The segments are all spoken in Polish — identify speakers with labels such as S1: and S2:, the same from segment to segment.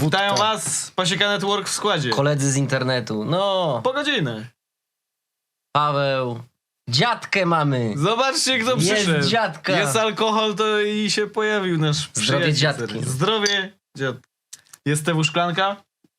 S1: Witają was, Pasieka Network w składzie.
S2: Koledzy z internetu. No,
S1: Po godzinę.
S2: Paweł. Dziadkę mamy.
S1: Zobaczcie, kto przyszedł.
S2: Jest dziadka.
S1: Jest alkohol, to i się pojawił nasz
S2: Zdrowie
S1: przyjaciel.
S2: dziadki.
S1: Zdrowie dziadki. Jest TW Szklanka?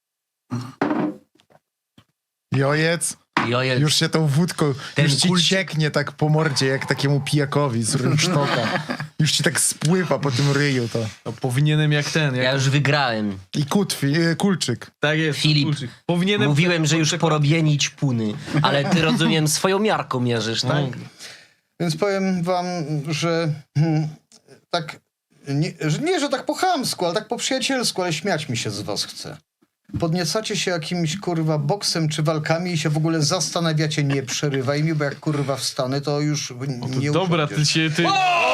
S3: Jojec.
S2: Jojec.
S3: Już się tą wódką,
S2: Ten
S3: już ci
S2: kulcik.
S3: cieknie tak po mordzie, jak takiemu pijakowi z rynsztoka. Już ci tak spływa po tym ryju to.
S1: No, powinienem jak ten. Jak...
S2: Ja już wygrałem.
S3: I kulczyk.
S1: Tak jest.
S2: Filip,
S1: Kulczyk. Powinienem...
S2: Mówiłem, że już porobieni ćpuny. Ale ty, rozumiem, swoją miarką mierzysz, tak?
S4: Więc powiem wam, że tak, że tak po chamsku, ale tak po przyjacielsku, ale śmiać mi się z was chce. Podniecacie się jakimś, kurwa, boksem czy walkami i się w ogóle zastanawiacie, nie przerywaj mi, bo jak, kurwa, wstanę, to już nie
S1: Dobra,
S4: usiądziesz.
S1: ty się... Ty...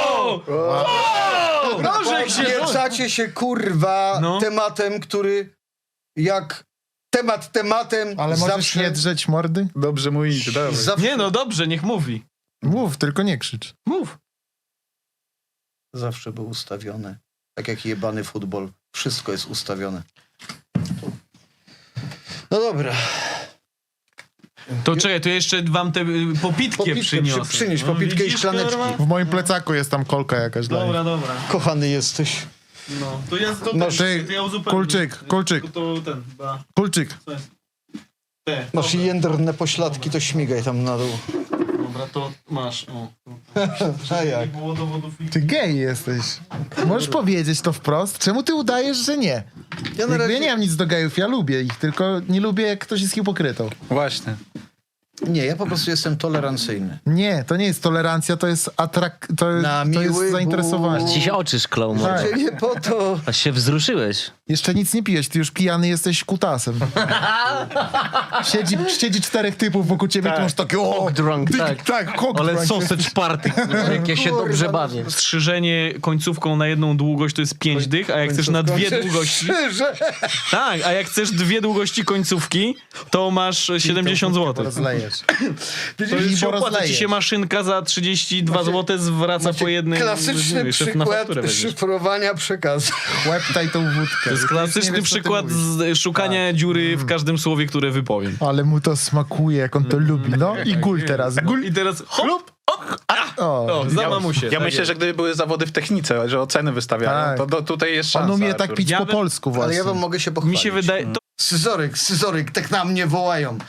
S1: Nożek się...
S4: Podniecacie się, kurwa,
S1: No.
S4: tematem, który jak tematem
S3: Ale możesz
S4: zawsze,
S3: nie drzeć mordy?
S5: Dobrze mówicie, dawaj.
S4: zawsze,
S1: Nie no, dobrze, niech mówi.
S3: Mów, tylko nie krzycz.
S1: Mów.
S4: zawsze był ustawiony. Tak jak jebany futbol. Wszystko jest ustawione. No dobra.
S1: To czekaj, to jeszcze wam tę popitkę przyniosę.
S4: Przynieś popitkę i
S1: widzisz,
S4: szklaneczki.
S1: kurwa?
S3: W moim plecaku jest tam kolka jakaś dla
S1: Dobra, dobra.
S4: Kochany jesteś.
S1: No, to ja to,
S4: Masz-
S1: to ja uzupełnię.
S3: Kulczyk.
S1: To ten, chyba...
S3: Kulczyk.
S1: Co jest? Te,
S4: Masz
S1: dobra.
S4: jędrne pośladki, to śmigaj tam na dół.
S1: Dobra, to masz. O.
S4: A jak?
S1: Nie było dowodów.
S3: Ty gej jesteś. Możesz powiedzieć to wprost? Czemu ty udajesz, że nie?
S4: Ja na
S3: Ja
S4: razie...
S3: nie mam nic do gejów, ja lubię ich, tylko nie lubię, jak ktoś jest hipokrytą.
S5: Właśnie.
S4: Nie, ja po prostu jestem tolerancyjny.
S3: Nie, to nie jest tolerancja, to jest
S4: Na
S3: to jest
S4: miły
S3: zainteresowanie.
S4: Bóg.
S2: Ci się oczy szklą.
S3: Tak.
S2: może.
S4: Nie po to...
S2: Aż się wzruszyłeś.
S3: Jeszcze nic nie pijesz, ty już pijany jesteś kutasem. Siedzi 4 typów wokół ciebie, to masz takie o,
S2: Drunk, tak.
S3: tak, cock
S2: Ale
S3: drunk.
S2: sausage party, jak ja się
S4: Kurwa,
S2: dobrze
S4: no,
S2: bawię.
S1: Strzyżenie końcówką na jedną długość to jest 5 dych, a jak chcesz na 2 długości...
S4: Szczerze.
S1: Tak, a jak chcesz 2 długości końcówki, to masz 70 zł.
S3: Rozlejesz.
S1: To
S3: I
S1: już się
S3: bo
S1: opłaca ci
S3: rozlejesz.
S1: się maszynka za 32 zł zwraca po jednej...
S4: Klasyczny
S1: jeszcze na
S4: przykład
S1: fakturę weźmiesz.
S4: szyfrowania przekazu.
S3: Łeptaj tą wódkę.
S1: To jest klasyczny przykład szukania dziury w każdym słowie, które wypowiem.
S3: Ale mu to smakuje, jak on to lubi. No i gul teraz. Gul.
S1: I teraz hop,
S3: O,
S1: za mamusie.
S5: Ja
S1: tak
S5: myślę,
S1: jest.
S5: że gdyby były zawody w technice, że oceny wystawiają,
S3: Tak.
S5: to tutaj jest
S3: on
S5: szansa.
S3: umie tak
S5: Artur.
S3: pić
S1: Ja
S3: po
S1: bym-
S3: polsku właśnie.
S4: Ale ja wam mogę się pochwalić.
S1: Mi się wydaje... To,
S4: Scyzoryk, tak na mnie wołają.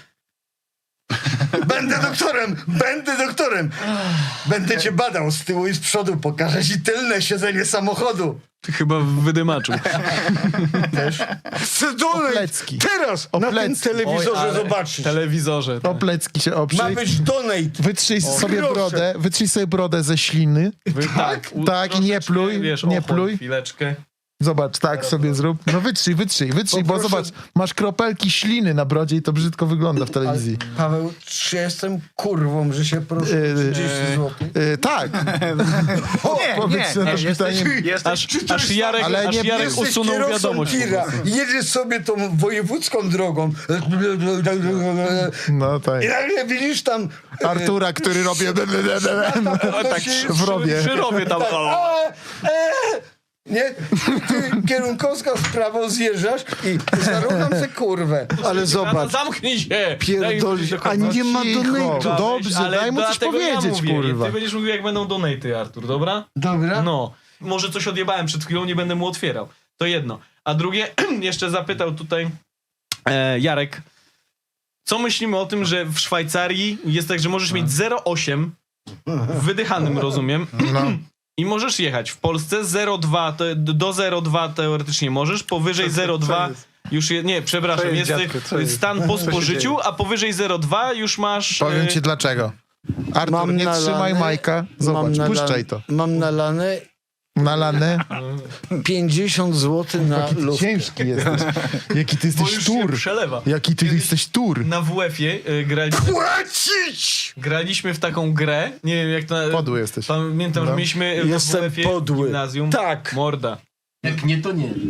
S4: Będę doktorem. Będę cię badał z tyłu i z przodu, pokażę ci tylne siedzenie samochodu.
S1: chyba w wydymaczu.
S4: Chcę donate
S3: Plecki.
S4: teraz na tym
S3: plecki.
S4: telewizorze
S1: Oj, ale-
S4: zobaczyć.
S1: Telewizorze.
S3: O plecki się
S4: Ma
S3: oprzyj.
S4: być donate.
S3: Wytrzyj sobie brodę ze śliny.
S4: Tak?
S3: Tak, i nie pluj,
S1: Wiesz,
S3: nie
S1: ochłoń
S3: pluj.
S1: chwileczkę.
S3: Zobacz, tak sobie zrób. No wytrzyj, bo
S4: Poproszę-
S3: zobacz, masz kropelki śliny na brodzie i to brzydko wygląda w telewizji.
S4: Paweł, czy ja jestem kurwą, że się proszę 30 zł?
S3: Tak. Powiedz na to pytanie.
S5: Jesteś...
S1: Aż Jarek,
S3: Ale
S1: aż
S3: nie-
S1: Jarek
S4: Jesteś
S1: usunął
S4: kierowcą
S1: wiadomość.
S4: tira, jedziesz sobie tą wojewódzką drogą
S3: No tak.
S4: i nagle widzisz tam
S3: Artura, który robi
S4: tak
S3: w robie.
S1: Przy rowie tam.
S4: nie? Ty kierunkowska w prawo zjeżdżasz i zarównam tę kurwę. Ale zobacz,
S1: Zamknij się!
S4: pierdolisz, a nie ma
S3: Cicho.
S4: donate'u.
S3: Dobrze,
S1: Ale
S3: daj mu coś
S1: dlatego
S3: powiedzieć,
S1: mówię.
S3: kurwa.
S1: Ty będziesz mówił, jak będą donaty, Artur, dobra?
S4: Dobra?
S1: No. Może coś odjebałem przed chwilą, nie będę mu otwierał. To jedno. A drugie, jeszcze zapytał tutaj Jarek, co myślimy o tym, że w Szwajcarii jest tak, że możesz mieć 0,8 w wydychanym, rozumiem,
S3: No.
S1: i możesz jechać. W Polsce 0,2, do 0,2 teoretycznie możesz, powyżej 0,2 już nie, przepraszam,
S5: Co jest,
S1: jest
S5: dziadku, co jest?
S1: stan po
S5: Co się
S1: spożyciu, a powyżej 0,2 już masz...
S3: Powiem ci dlaczego. Artur, nie trzymaj Majka. Zobacz, puszczaj to.
S4: Mam nalane
S3: Nalane.
S4: 50 zł na lufkę.
S3: Ciężki jesteś. Jaki ty
S1: bo
S3: jesteś
S1: już się
S3: tur.
S1: przelewa.
S3: Jaki ty jesteś tur.
S1: Na WF-ie graliśmy w taką grę, nie wiem jak to...
S3: Podły jesteś.
S1: Pamiętam, że
S3: No.
S1: mieliśmy
S4: Jestem
S1: w WF-ie
S4: podły.
S1: gimnazjum.
S4: Tak.
S1: Morda.
S2: Jak nie, to nie.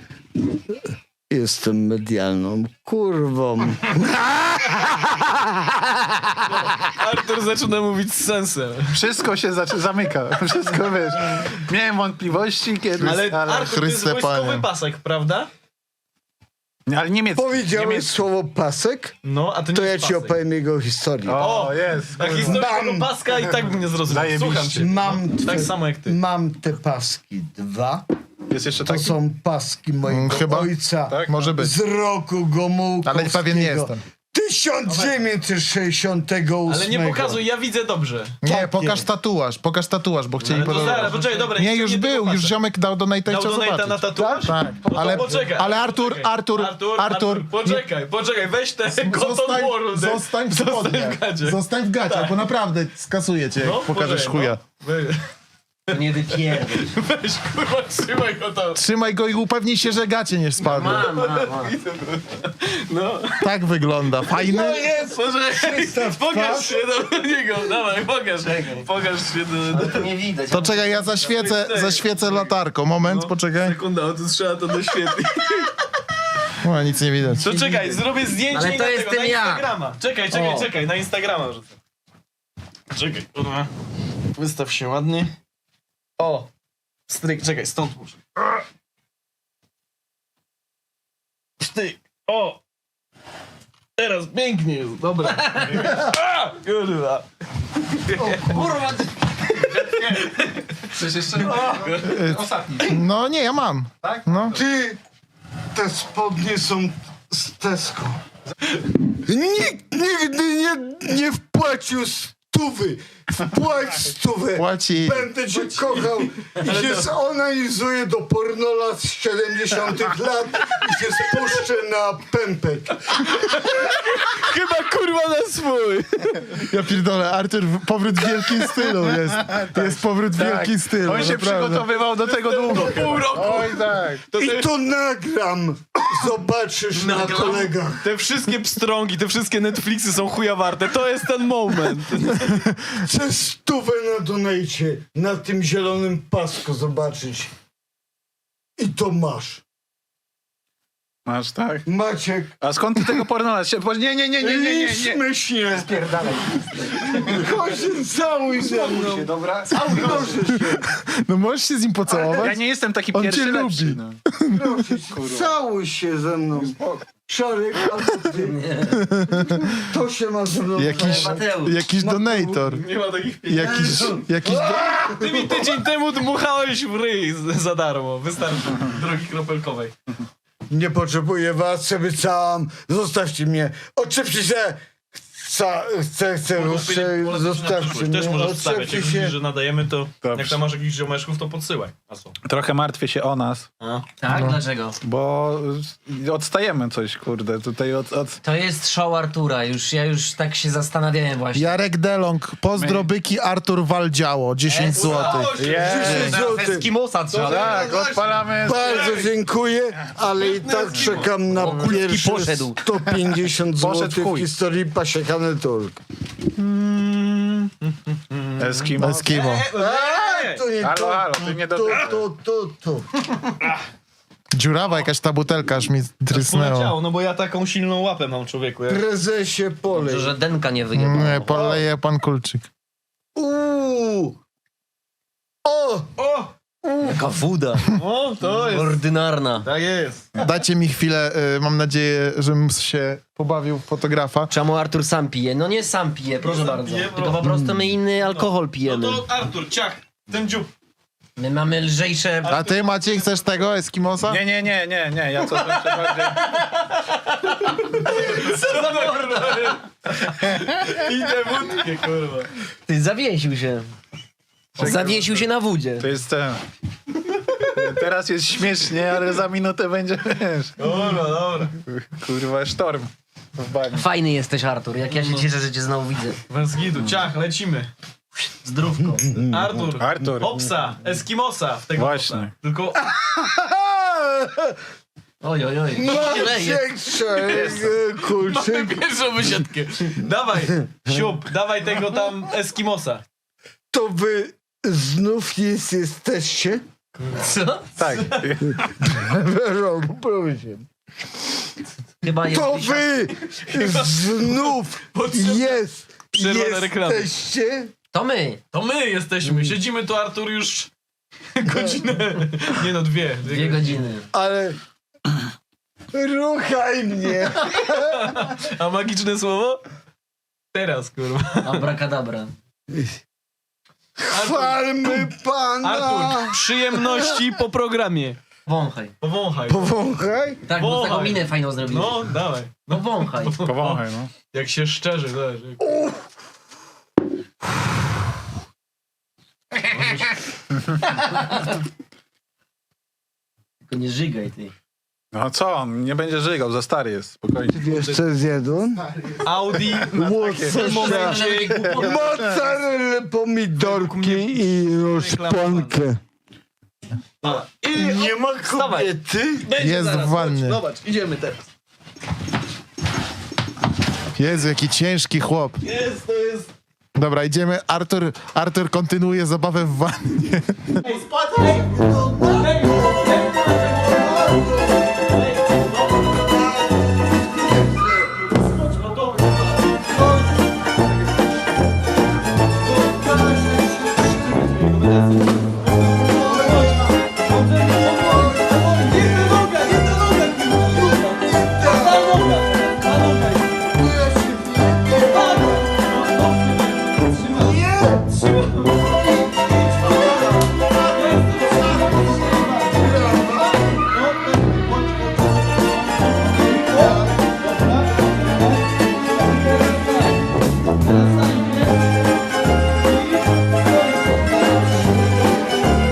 S4: Jestem medialną kurwą.
S1: Artur zaczyna mówić z sensem.
S5: Wszystko się zamyka. Wszystko, wiesz. Miałem wątpliwości kiedyś,
S1: Ale Artur, to jest
S3: Chryste
S1: wojskowy
S3: Panie.
S1: pasek, prawda?
S5: Ale niemiecki.
S4: Powiedziałeś słowo pasek,
S1: No, a to nie
S4: to ja
S1: jest
S4: ci
S1: pasek.
S4: opowiem jego historię.
S5: O, jest.
S1: A historię tego paska i tak bym nie zrozumiał.
S5: Zajebiście.
S1: Słucham cię. Tak samo jak ty.
S4: Mam te paski 2.
S5: Jest jeszcze
S4: To
S5: taki?
S4: są paski mojego
S3: Chyba.
S4: ojca.
S5: Tak?
S3: Może być.
S4: Z roku Gomułkowskiego.
S3: Ale pewien nie jestem.
S4: 1968.
S1: Ale nie pokazuj, ja widzę dobrze.
S3: Nie,
S4: Tak
S3: pokaż tatuaż, bo chcieli
S1: Ale to zaraz,
S3: podobać.
S1: poczekaj, dobra.
S3: Nie,
S1: chcę
S3: już
S1: tego
S3: był, już
S1: patrzeć.
S3: ziomek dał donate'a i
S1: Dał
S3: chciał
S1: donate'a na
S3: zobaczyć.
S1: tatuaż?
S3: Tak,
S1: No to
S3: ale,
S1: poczekaj,
S3: ale Artur,
S1: Poczekaj, Cotton World.
S3: zostań w spodniach.
S1: w gacie.
S3: Zostań w gacie, bo naprawdę skasuję cię, jak
S1: No,
S3: pokażesz
S1: poczekaj,
S3: chuja.
S1: no.
S2: Nie wypierdol.
S1: Weź, kurwa, trzymaj go tam.
S3: Trzymaj go i upewnij się, że gacie nie spadły.
S2: Mam.
S1: No.
S3: Tak wygląda. Fajny?
S1: Poczekaj, pokaż się do niego. Dawaj, pokaż. Pokaż się do...
S2: To nie widać.
S3: To czekaj, ja zaświecę latarką. Moment, poczekaj.
S1: Sekunda, o, tu trzeba to doświetlić.
S3: O, nic nie widać.
S1: To czekaj, zrobię zdjęcie
S2: Ale
S1: i
S2: to
S1: na
S2: jestem
S1: tego, na
S2: ja.
S1: Instagrama. Czekaj, na Instagrama rzucę. Czekaj, kurwa. Wystaw się ładnie. O! Stryk, czekaj, stąd muszę. Sztyk, o! Teraz pięknie jest, dobra. A, kurwa.
S2: Kurwa,
S5: Przecież jeszcze ostatni.
S3: No nie, ja mam.
S5: Tak?
S3: No.
S4: Ty, te spodnie są z Tesco. Nikt nigdy nie wpłacił 100. Wpłać 100.
S3: Płaci.
S4: Będę cię kochał i się zonanizuję do pornola z 70 lat i się spuszczę na pępek.
S1: Chyba kurwa na swój.
S3: Ja pierdolę, Artur, powrót w wielkim stylu jest. Jest powrót w wielkim stylu.
S5: On się
S3: naprawdę.
S5: przygotowywał do tego długo.
S1: Pół roku.
S5: Oj tak.
S4: I to nagram. Zobaczysz na kolegach.
S1: Te wszystkie pstrągi, te wszystkie Netflixy są chuja warte. To jest ten moment.
S4: Chcę 100 na donajcie na tym zielonym pasku zobaczyć. I to masz.
S5: Masz tak.
S4: Maciek.
S5: A skąd ty tego pornola? Nie.
S4: Śmiesznie.
S5: Spierdalaj.
S4: Chodź, całuj ze mną.
S5: Dobra?
S4: Proszę się.
S3: No możesz się z nim
S5: Ja
S3: pocałować?
S5: nie jestem taki
S3: On
S5: pierwszy
S3: cię
S5: lepszy.
S3: lubi.
S5: No.
S4: Proszę cię. Całuj się ze mną. Szarek, albo ty. To się ma ze mną.
S3: Jakiś donator.
S1: Nie ma takich pieniędzy.
S3: Jakiś
S1: Ty mi tydzień temu dmuchałeś w ryj za darmo. Wystarczy. Drogi kropelkowej.
S4: Nie potrzebuję was, sobie całam. Zostawcie mnie. Odczepcie się. Chcę ruszę. Zostawcie
S1: Też
S4: mnie.
S1: możesz wstawiać.
S4: Odczepcie
S1: Jak widzisz,
S4: się.
S1: że nadajemy, to
S5: Dobrze.
S1: jak tam masz jakichś ziomeczków, to podsyłaj. A co?
S5: Trochę martwię się o nas,
S2: Tak, dlaczego?
S5: bo odstajemy coś, kurde, tutaj od...
S2: To jest show Artura, ja już tak się zastanawiałem właśnie.
S3: Jarek Delong, pozdro byki, Artur Waldziało, 10 zł.
S5: Jest!
S2: Eskimosa trzeba.
S5: Tak, odpalamy...
S4: Bardzo dziękuję, ale i tak czekam na pierwsze
S2: poszedł.
S4: 150
S5: Poszedł
S4: zł
S5: w
S4: w
S5: chuj.
S4: historii pasiekany turk.
S5: Eskimo.
S3: Eskimo.
S4: To nie
S5: Halo,
S4: to.
S5: halo, ty nie do...
S4: To.
S3: Dziurawa jakaś ta butelka, aż mi trysnęło.
S1: Poleciało, no bo ja taką silną łapę mam, człowieku. Jak...
S4: Prezesie polej.
S2: Że denka nie wyjebała.
S3: Nie, poleje pan Kulczyk.
S4: Uuu. O!
S1: O!
S2: Jaka woda.
S1: O, to jest.
S2: Ordynarna.
S1: Tak jest.
S3: Dajcie mi chwilę, mam nadzieję, żebym się pobawił w fotografa.
S2: Czemu Artur sam pije? No nie sam pije, proszę
S1: sam
S2: bardzo.
S1: pije,
S2: Tylko po prostu my inny alkohol pijemy.
S1: No to Artur, ciach, ten dziób.
S2: My mamy lżejsze...
S3: A ty, Maciej, chcesz tego Eskimosa?
S5: Nie, ja coś jeszcze bardziej...
S1: Co za kurwa. I tę wódkę, kurwa.
S2: Ty zawiesił się. Zawiesił się na wódzie.
S5: To jest ten... Teraz jest śmiesznie, ale za minutę będzie, wiesz...
S1: Dobra.
S5: Kurwa, sztorm w bani.
S2: Fajny jesteś, Artur. Jak ja się cieszę, że cię znowu widzę.
S1: Bez gidu, ciach, lecimy.
S2: Zdrówko.
S1: Artur. Opsa, Eskimosa w tego
S5: Właśnie.
S1: opsa. Tylko
S2: Oj.
S4: Kulczyk.
S1: pierwszą wysiadkę. Dawaj, siup, dawaj tego tam Eskimosa.
S4: To wy znów jesteście?
S2: Co?
S5: Tak.
S4: Proszę.
S2: Chyba jest...
S4: To wy znów
S1: Przerwa na reklamę.
S4: jesteście?
S2: To my.
S1: To my jesteśmy, siedzimy tu, Artur, już godzinę. Nie no, 2
S2: 2 godziny.
S4: Ale Ruchaj mnie!
S1: A magiczne słowo? Teraz, kurwa.
S2: Abracadabra.
S4: Chwalmy Pana!
S1: Artur, przyjemności po programie.
S2: Wąchaj.
S1: Powąchaj.
S4: Powąchaj?
S2: Tak, bo
S1: Wąchaj.
S2: taką minę fajną zrobiłeś.
S1: No, dawaj.
S2: No wąchaj.
S5: Powąchaj, no.
S1: Jak się szczerzy, zależy.
S2: Tylko nie żygaj ty.
S5: No co, on nie będzie żygał, za stary jest, spokojnie.
S4: Wiesz co jest jeden?
S1: Audi w tym momencie...
S4: Mozzarella, pomidorki i szponkę.
S1: I
S4: Nie ma
S1: Wstawaj.
S4: kobiety?
S1: będzie
S3: Jest
S1: zaraz,
S3: w wannie.
S1: chodź, zobacz, idziemy teraz.
S3: Jezu, jaki ciężki chłop.
S1: To jest...
S3: Dobra, idziemy. Artur kontynuuje zabawę w wannie.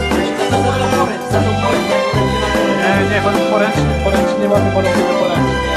S1: Nie, poręcznie mamy panowie poręcznie.